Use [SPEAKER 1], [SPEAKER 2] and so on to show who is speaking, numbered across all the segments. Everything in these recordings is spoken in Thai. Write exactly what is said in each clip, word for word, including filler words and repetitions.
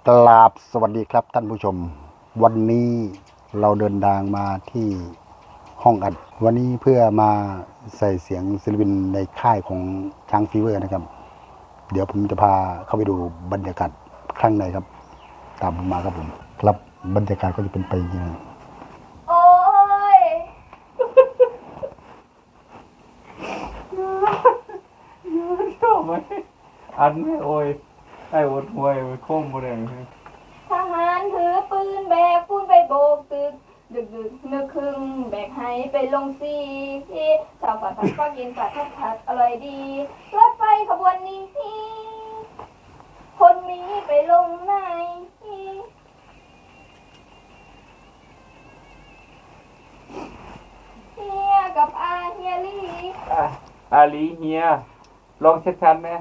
[SPEAKER 1] กราบสวัสดีครับท่านผู้ชมวันนี้เราเดินทางมาที่ห้องอัดวันนี้เพื่อมาใส่เสียงศิลปินในค่ายของช้างฟีเวอร์นะครับเดี๋ยวผมจะพาเข้าไปดูบรรยากาศข้างในครับตามผมมาครับผมครับบรรยากาศก็จะเป็นไปอย่างนี้
[SPEAKER 2] โอ้ย
[SPEAKER 3] ชอบไหมอันไม่โอ้ยไอ้อดหวยโค้งบ่ได้
[SPEAKER 2] ทหารถือปืนแบกปูนไปโบกตึกดึกดึกนึกครึ่งแบกให้ไปลงซีชาวฝัดผัดก็กินฝัดทัดผัดอร่อยดีรถไฟขบวนนี้คนมีไปลงไหนเฮียกับอาเฮียลี่
[SPEAKER 3] อาลีเฮียลองชัดๆไหม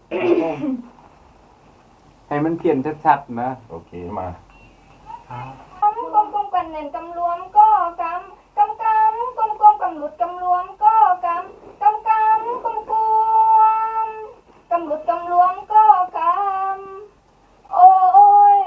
[SPEAKER 3] ให้มันเขียนชัดๆนะ
[SPEAKER 4] โอเคมาก
[SPEAKER 2] ำกลมกลมกันเน่นกำรวมก็กำกำกำกลมกลมกำหลุดกำรวมก็กำกำกำกลมกลมกำหลุดกำรวมก็กำโอ้ย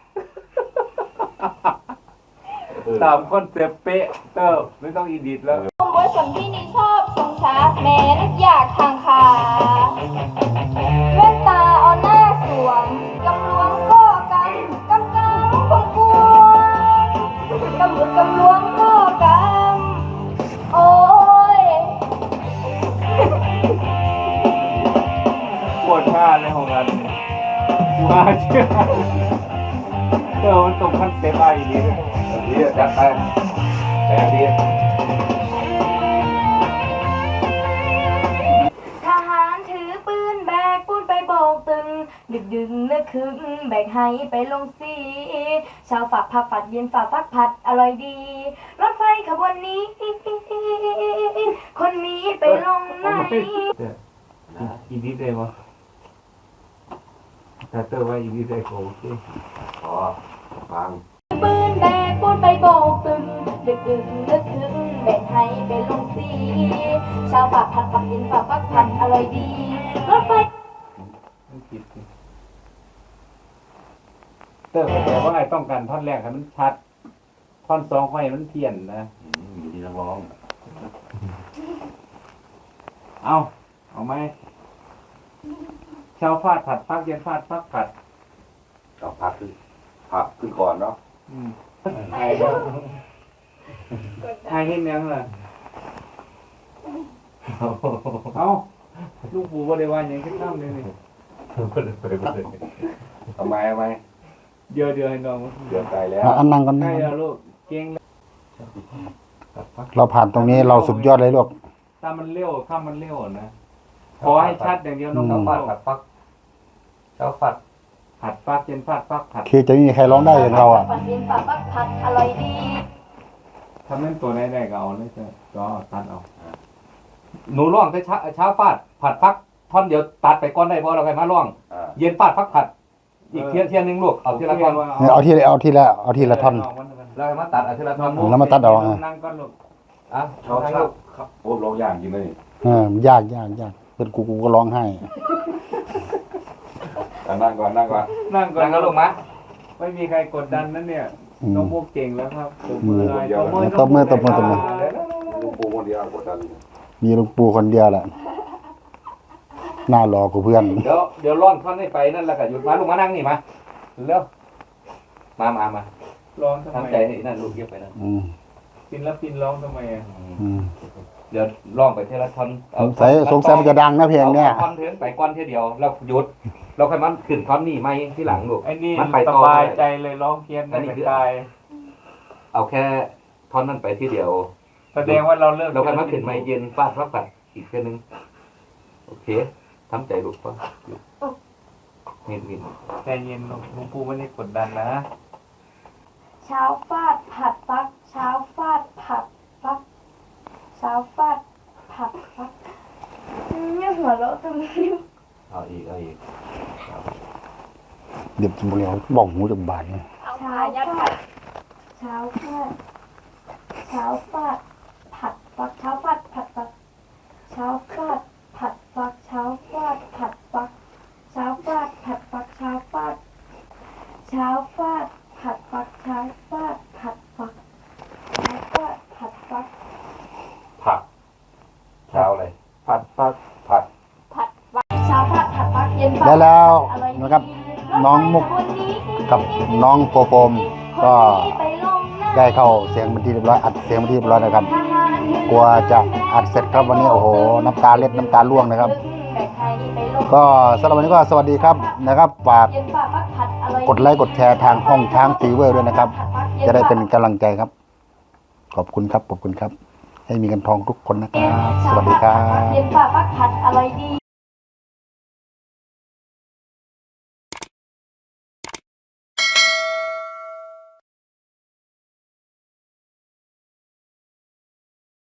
[SPEAKER 3] ตามคอนเซ็ปต์เป๊ะเติบไม่ต้องอีดิทแล้ว
[SPEAKER 2] ผมว่าสัมพี่นี่ชอบทรงช้าแม้นึกอยากทางขาแว่นตาเอาหน้าสวมกำรวมก็กำกำกำกลมกลมกำหลุดกำรวมก็กำโอ้ย
[SPEAKER 3] ปวดท่าเลยของอันมาเชื่อเติบมันตรงคอนเซ็ปต์อะไรอย่างนี้เลย
[SPEAKER 4] ดีจัดไปแต่ดี
[SPEAKER 2] ทหารถือปืนแบกปูนไปโบกตึงดึกดึงนึกคึงแบกให้ไปลงสีชาวฝักผักฝัดเย็นฝากฟักผัดอร่อยดีรถไฟขบวนนี้คนมีไปลงไหน
[SPEAKER 3] อีดิทได้ปะถ้าเติบว่าอีดิทได้ก็โอเค
[SPEAKER 4] พอฟัง
[SPEAKER 2] ปืนแบกปูนไปโบกตึงดึกดึงนึกคึงแบกให้ไปลงสีชาวฝักผักฝัดเย็นฝากฟักผัดอร่อยดีรถไฟ
[SPEAKER 3] มันผิดสิเติบแต่ว่าไอ้ต้องการท่อนแรกให้มันชัดท่อนสองให้มันเพี้ยนนะ
[SPEAKER 4] มีที่นักร้อง
[SPEAKER 3] เอาเอาไหมเช้าฟาดผัดฟักเย็นฟาดฟักผัด
[SPEAKER 4] เอาพักขึ้นพักขึ้นก่อนเนาะ
[SPEAKER 3] อืมไอ้ไอ้เห็นยังล่ะเอาลูกปู่บริวารยังขึ้นน้ำเลยนี่
[SPEAKER 4] ทำไมทำไม
[SPEAKER 3] เดี๋ยวเดี๋ยวให้น้อง
[SPEAKER 4] เดือดใจแล้ว
[SPEAKER 1] อ่ะอันนั่งกัน
[SPEAKER 3] ใกล้แล้วลูกเก่งแล้ว
[SPEAKER 1] เราผ่านตรงนี้เราสุดยอดเลยลูก
[SPEAKER 3] ถ้ามันเร็วถ้ามันเร็วนะขอให้ชัดอย่างเดียวน้อง
[SPEAKER 1] อืม
[SPEAKER 3] ฟาดผัดฟักเช้าฟัดผัดฟักเย็นฟาดฟักผัด
[SPEAKER 1] คือจะไม่มีใครร้องได้อย่างเราอ่ะ
[SPEAKER 2] ฝัดเย็นฝากฟักผัดอร่อยดี
[SPEAKER 3] ถ้าเล่นตัวได้ได้ก็เอาเลยจ้ะก็ตัดเอาหนูร่องแต่เช้าเช้าฟาดผัดฟักท่อนเดียวตัดไปก้อนได้เพราะเราใครมาร่อง
[SPEAKER 4] อ่า
[SPEAKER 3] เย็นฟาดฟักผัด อีกเทียนเทียนหนึงลูกเอาทีละท่อน
[SPEAKER 1] เนี่ยเอาทีละเอาทีละเอาทีละท่อน
[SPEAKER 3] เราให้มาตัดเอาทีละท่อน
[SPEAKER 1] แล้วมาตัดเอาอ่ะ
[SPEAKER 3] นั่งก้อนลูกอ่ะ
[SPEAKER 4] ชอบชอบครับโอ้ร้องอย่างจริงเลย
[SPEAKER 1] เออยากยากยากเป็นกูกูก็ร้องไห้
[SPEAKER 4] นั่งก่อนนั่งก่อน
[SPEAKER 3] นั่งก่อนนะลูกมะไม่มีใครกดดันนั่นเนี่ย
[SPEAKER 1] อืม
[SPEAKER 3] น้องมุกเก่งแล้วครับตบมือเลย
[SPEAKER 1] ตบมือตบมือตบมือ
[SPEAKER 4] ลูกปูคนเดียวกดดัน
[SPEAKER 1] มีหลุงปู่คนเดียวแหละหน้ารอกูเพื่อน
[SPEAKER 3] เดี๋ยวเดี๋ยวร่อนท่อนให้ไปนั่นแหละก็หยุดมาลูกมานั่งนี่มาเร็วมามามา
[SPEAKER 5] ร้องทำไม
[SPEAKER 3] ทำใจให้นั่นลูกเก็บไปนั่น
[SPEAKER 1] อืม
[SPEAKER 5] ศิลปินร้องทำไมอ่ะ
[SPEAKER 1] อืม
[SPEAKER 3] เดี๋ยวร้องไปทีละท่อน
[SPEAKER 1] สงสัยสงสัยมันจะดังนะเพลงเนี้ย
[SPEAKER 3] อาท่อนเทิงไปก้อนเทียเดียวแล้วหยุดเราค่อยมันขึ้นท่อนนี่ไม่ที่หลังลูก
[SPEAKER 5] ไอ้นี่
[SPEAKER 3] มันไป
[SPEAKER 5] ส
[SPEAKER 3] ต่อบ
[SPEAKER 5] าย
[SPEAKER 3] ได้
[SPEAKER 5] ใจเลยร้องเพี้ยน
[SPEAKER 3] อันนี้
[SPEAKER 5] ไม่
[SPEAKER 3] คือ
[SPEAKER 5] ตาย
[SPEAKER 3] เอาแค่ท่อนนั้นไปที่เดียว
[SPEAKER 5] แสดงว่าเราเลิก
[SPEAKER 3] เราค่อยมันขึ้นไม่เย็นฟาดฟักปัดอีกแค่นึงโอเคทำใจลูกป่ะนิดนิด
[SPEAKER 5] ใจเย็นหลวงปู่ไม่ได้กดดันนะ
[SPEAKER 2] เช้าฟาดผัดฟักเช้าฟาดผัดฟักเช้าฟาดผัดฟักเนี่ยหัวเราะตรงนี้
[SPEAKER 3] เอาอีกเอาอีก
[SPEAKER 1] เดี๋ยวจะบอกเลยบอกหูจากบาดเนี่ย
[SPEAKER 2] เช้าฟาดเช้าฟาดเช้าฟาดผัดฟักเช้าฟาดผัดฟักเช้าฟาดผัดฟักเช้าฟาดผัดฟักเช้าฟาดผัดฟักเช้าฟาดเช้าฟาดผัดฟักเช้าฟาดผัดฟักเช้าฟาดผัดฟัก
[SPEAKER 4] ผักเช้าอะไร
[SPEAKER 5] ผัดฟัก
[SPEAKER 4] ผัด
[SPEAKER 2] ผัดฟักเช้าฟาดผัดฟักเย็นฟาด
[SPEAKER 1] ได้แล้ว
[SPEAKER 2] อะไรดี
[SPEAKER 1] นะครับ น้องมุกกับน้องโฟโฟมก็
[SPEAKER 2] ไปลงหน้า
[SPEAKER 1] ได้เข้าเสียงเป็นที่เรียบร้อยอัดเสียงเป็นที่เรียบร้อยนะครับ กลัวจะอัดเสร็จครับวันนี้โอ้โหน้ำตาเล็ดน้ำตาร่วงนะครับ ก็สำหรับวันนี้ก็สวัสดีครับนะครับฝาก
[SPEAKER 2] เย็นฟาดฟักผัดอะไรดี
[SPEAKER 1] กดไลค์กดแชร์ทางห้องช้างฟีเวอร์ด้วยนะครับ จะได้เป็นกำลังใจครับ ขอบคุณครับขอบคุณครับ ให้มีกันทองทุกคนนะครับ สวัสดีครับ
[SPEAKER 2] เย็นฟาดฟักผัดอะไรดี